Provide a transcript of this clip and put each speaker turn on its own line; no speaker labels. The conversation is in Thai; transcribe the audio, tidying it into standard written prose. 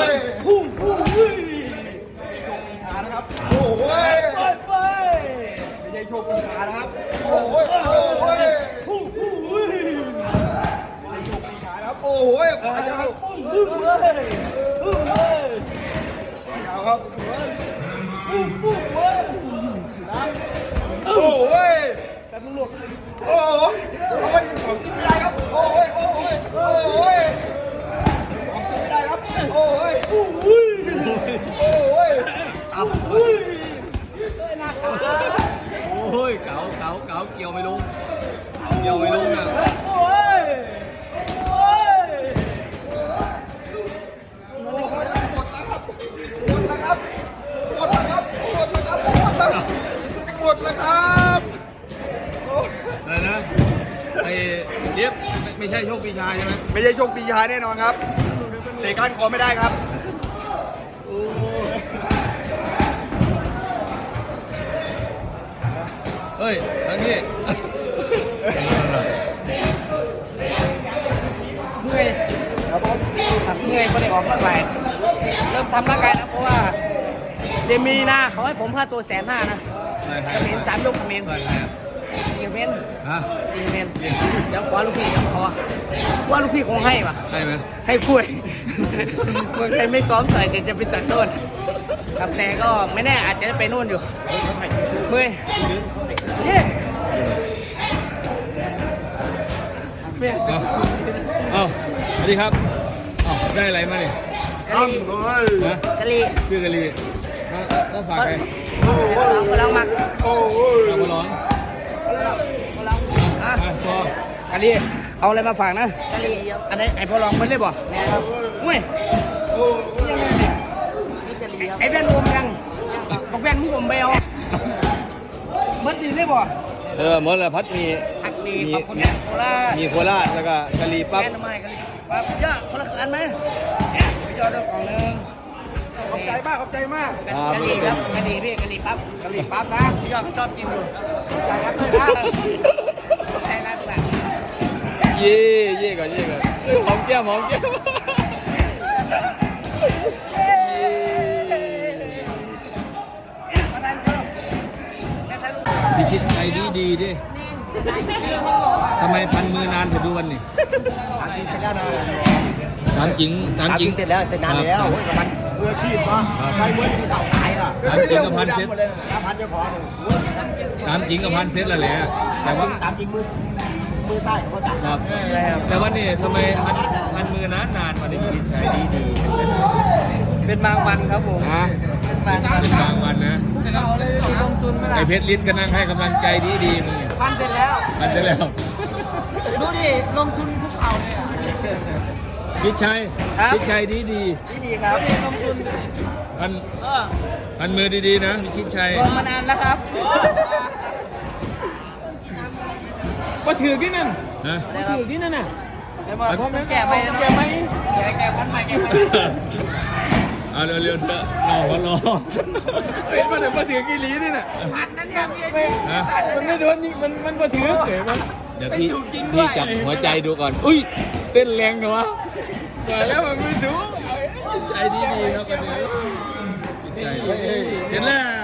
ยพุ่งขานะครับโอ้ยไม่ใช่โชคดีขานะครับโอ้ยพุ่งไม่ใช่โชคดีขานะครับโอ้ยขวาจะเข้าพุ่งเลยยาวครับโอ้ยแต่มึงหลุดโอ้ยของกินไม่ได้ครับโอ้ยของกินไม่ได้ครับโอ้ย
เอาโอ้ยเก๋าเกี่ยวไม่ลงนะ
หมดแล้วครับ
อะไรนะไอ้เจี๊ยบไม่ใช่โชคปีชาใช่ไหม
ไม่ใช่โชคปีชาแน่นอนครับเตะก้านคอไม่ได้ครับ
เฮ้ยทั้งนี้
เมื่อยครับผมเมื่อยไม่ได้ออกร่างกายเริ่มทำร่างกายนะเพราะว่าเดมีนาเขาให้ผมค่าตัว150,000นะจะเป็น3 ยกเมนอีกเมนเดี๋ยวขอลูกพี่ขอว่าลูกพี่คงให้ป่ะ
ให้ไหม
ให้คุยเมืองไทยไม่ซ้อมใส่จะไปจัดโน่นครับแต่ก็ไม่แน่อาจจะไปโน่นอยู่เมื่อยเย้
เอ้าสวัสดีครับได้อะไรมาเนี่ย
กะลี
ชื่อกะลีต้องฝากใคร
กำลังมัก
มาร้องพ
อกะลีเอาอะไรมาฝากนะกะลีอันนี้ไอ้พอลองไม่ได้บ่เว้ยไอ้แว่นอมยังบอกแว่นมึงอมไปเอามันดีได้บ่
หมดแล้วพัดมี
ขอบคุณโคราช
มีโคราชแล้วก็กะลีปั๊บ
แค่ทำไมกะลีปั๊บเยอะคนละอันไหมไปจอดตัวกล่องนึงขอบใจมากกะลีครับกะลีพี่กะลีปั๊บนะยอดชอบกินอยู่ใจรักเลยนะใจรักแบบ
เย่ก่อนหอมแก้มพิชิตใจดีดิทำไมพันมือนานถึงดูวันนี่ถามจริง
เสร็จแล้วเสร็จนานแล้วกับมันมืออาชีพป่ะใครมือที่เต่าตายล่ะ
ถามจริงกับพันเซ็ต
พันจะพอ
ถามจริงกับพันเซ็ตแล้วแหละแต่ว่า
ตามจริงมือซ้ายเขาตัด
ครับแต่ว่านี่ทำไมพันมือนานวันนี้พิชิตใจดี
เป็นบางวันครับผม
เป็นบางวันนะ
ลงทุนไม่ได้
ไอเพชรลิ้นก็นั่งให้กำลังใจดีมึง
พันเสร็จแล้ว ดูดิลงทุนคุกเข่าเลย
พิชัยดี
ครับลงทุน
พันมือดีนะพิชิตชัย
ลงมานานแล้วครับ
ก็ถือที่นั่นน่ะ
แก่ไหมแก่พันใหม่
เอาเร็วๆเถอะรอเฮ้ยมันมาถือกี่ลีนี่น่ะ
พันนั่นเนี่ย
มันไม่โดนยิงมันมาถือเดี๋ยวพี่จับหัวใจดูก่อนอุ้ยเต้นแรงเนาะแต่แล้วมันไม่ถูกใจดีครับวันนี้เสร็จแล้ว